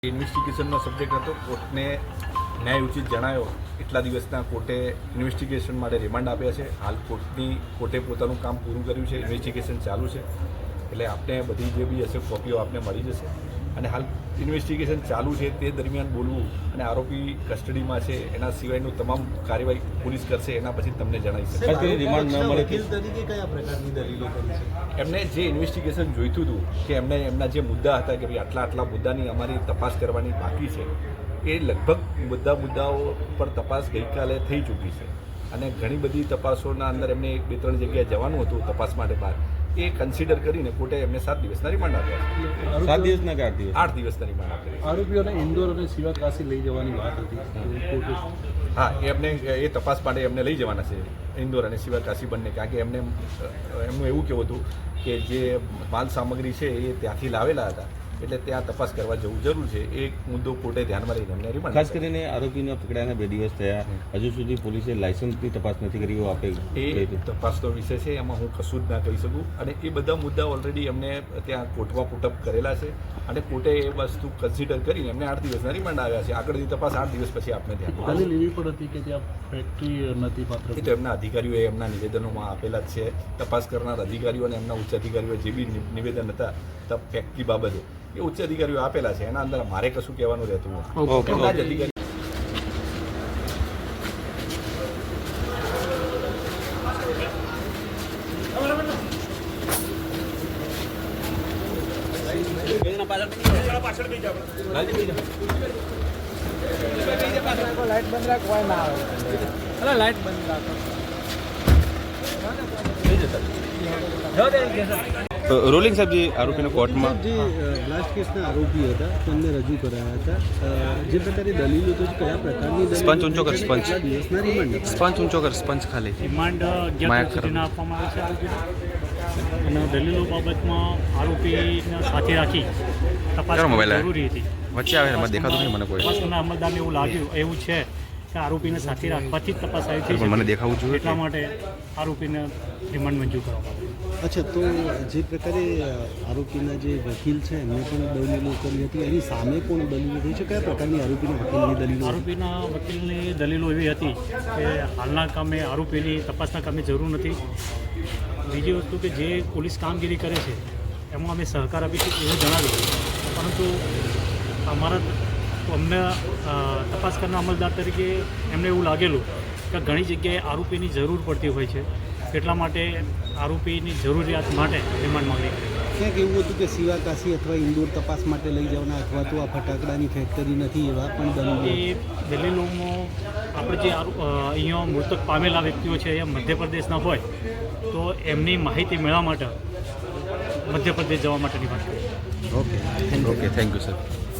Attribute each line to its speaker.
Speaker 1: ઇન્વેસ્ટિગેશનનો subject હતો. કોર્ટને ન્યાય ઉચિત જણાયો એટલા દિવસના કોર્ટે ઇન્વેસ્ટિગેશન માટે રિમાન્ડ આપ્યા છે. હાલ કોર્ટે પોતાનું કામ પૂરું કર્યું છે. ઇન્વેસ્ટિગેશન ચાલુ છે, એટલે આપને બધી જે બી હશે કોપીઓ આપને મળી જશે. અને હાલ ઇન્વેસ્ટિગેશન ચાલુ છે તે દરમિયાન બોલવું અને આરોપી કસ્ટડીમાં છે એના સિવાયનું તમામ કાર્યવાહી પોલીસ કરશે એના પછી તમને જણાવી
Speaker 2: રિમાન્ડ ન મળે
Speaker 3: તરીકે કયા પ્રકારની દલીલો કરી છે?
Speaker 1: એમને જે ઇન્વેસ્ટિગેશન જોઈતું હતું કે એમના જે મુદ્દા હતા કે ભાઈ આટલા મુદ્દાની અમારી તપાસ કરવાની બાકી છે, એ લગભગ મુદ્દાઓ પર તપાસ ગઈકાલે થઈ ચૂકી છે. અને ઘણી બધી તપાસોના અંદર એમને 2-3 જગ્યાએ જવાનું હતું તપાસ માટે બહાર. એ કન્સિડર કરીને કોર્ટે એમને 7 દિવસના રિમાન્ડ આપ્યા.
Speaker 2: 7 દિવસના કે 8 દિવસ?
Speaker 1: 8 દિવસના રિમાન્ડ આપ્યા.
Speaker 3: આરોપીઓને ઇન્દોર અને શિવકાશી લઈ જવાની વાત હતી.
Speaker 1: હા, એ તપાસ માટે એમને લઈ જવાના છે ઇન્દોર અને શિવકાશી બંને. કારણ કે એમનું એવું કહેવું હતું કે જે માલ સામગ્રી છે એ ત્યાંથી લાવેલા હતા, એટલે ત્યાં તપાસ કરવા જવું જરૂર છે. એ મુદ્દો કોર્ટે ધ્યાનમાં લઈને એમને રિમાન્ડ.
Speaker 2: ખાસ કરીને આરોપીને પકડાયાના 2 દિવસ થયા, હજુ સુધી પોલીસે લાયસન્સની તપાસ નથી કરી.
Speaker 1: એ તપાસનો વિષય છે, એમાં હું કશું જ ના કહી શકું. અને એ બધા મુદ્દા ઓલરેડી એમને ત્યાં કોર્ટમાં પુટઅપ કરેલા છે અને કોર્ટે એ વસ્તુ કન્સિડર કરીને એમને 8 દિવસના રિમાન્ડ આવ્યા છે. આગળની તપાસ 8 દિવસ પછી આપને ત્યાં
Speaker 3: લેવી પણ હતી કે ત્યાં ફેક્ટરી નથી પાત્ર.
Speaker 1: એ તો એમના અધિકારીઓએ એમના નિવેદનોમાં આપેલા જ છે. તપાસ કરનાર અધિકારીઓ અને એમના ઉચ્ચ અધિકારીઓ જે બી નિવેદન હતા ફેક્ટરી બાબતે એ ઉચ્ચ અધિકારીઓ આપેલા છે. એના અંદર મારે કશું કહેવાનું રહેતું નથી. એમના જ અધિકારી
Speaker 3: લાઈટ બંધ રાખ, કોઈ ના આવે. લાઈટ બંધ રાખો.
Speaker 2: રોલિંગ સાહેબ, જે આરોપીને કોર્ટમાં
Speaker 4: જે બ્લાસ્ટ કેસના આરોપી હતા તેમને રજૂ કરાયા હતા, જે પ્રકારે દલીલો તો કયા પ્રકારની
Speaker 2: સ્પંચ ઊંચો કર, સ્પંચ
Speaker 4: દિવસના રિમાન્ડ
Speaker 2: સ્પંચ ઊંચો કર, સ્પંચ ખાલી
Speaker 5: રિમાન્ડ 11 સુધીના આપવામાં આવે છે આરોપીને. અને દલીલો બાબતમાં આરોપીને સાથે રાખી તપાસ જરૂરી હતી.
Speaker 2: વચ્ચે આવે એમાં દેખાતું નહીં મને કોઈ.
Speaker 5: તપાસના અમલદારને એવું છે કે આરોપીને સાથે રાખવાથી જ તપાસ આવી
Speaker 2: પણ મને દેખાવું જોઈએ.
Speaker 5: એટલા માટે આરોપીને રિમાન્ડ મંજૂર કરવામાં આવ્યું.
Speaker 4: અચ્છા, તો જે પ્રકારે આરોપીના જે વકીલ છે એમને પણ દલીલો કરી હતી, એની સામે પણ દલીલો થઈ છે. કયા પ્રકારની આરોપીના વકીલની દલીલો?
Speaker 5: આરોપીના વકીલની દલીલો એવી હતી કે હાલના કામે આરોપીની તપાસના કામે જરૂર નથી. બીજી વસ્તુ કે જે પોલીસ કામગીરી કરે છે એમાં અમે સહકાર આપીશું એવું જણાવ્યું, પરંતુ અમને તપાસ કરનાર અમલદાર તરીકે એમને એવું લાગેલું કે ઘણી જગ્યાએ આરોપીની જરૂર પડતી હોય છે, એટલા માટે આરોપીની જરૂરિયાત માટે રિમાન્ડ માંગણી કરી.
Speaker 4: ક્યાંક એવું હતું કે શિવાકાશી અથવા ઇન્દોર તપાસ માટે લઈ જવાના, અથવા તો આ ફટાકડાની ફેક્ટરી નથી, એવા પણ દલીલો.
Speaker 5: એ દલીલોમાં આપણે જે અહીંયા મૃતક પામેલા વ્યક્તિઓ છે એ મધ્યપ્રદેશના હોય તો એમની માહિતી મેળવવા માટે મધ્યપ્રદેશ જવા માટેની વાત કરી.
Speaker 2: Okay, thank you sir.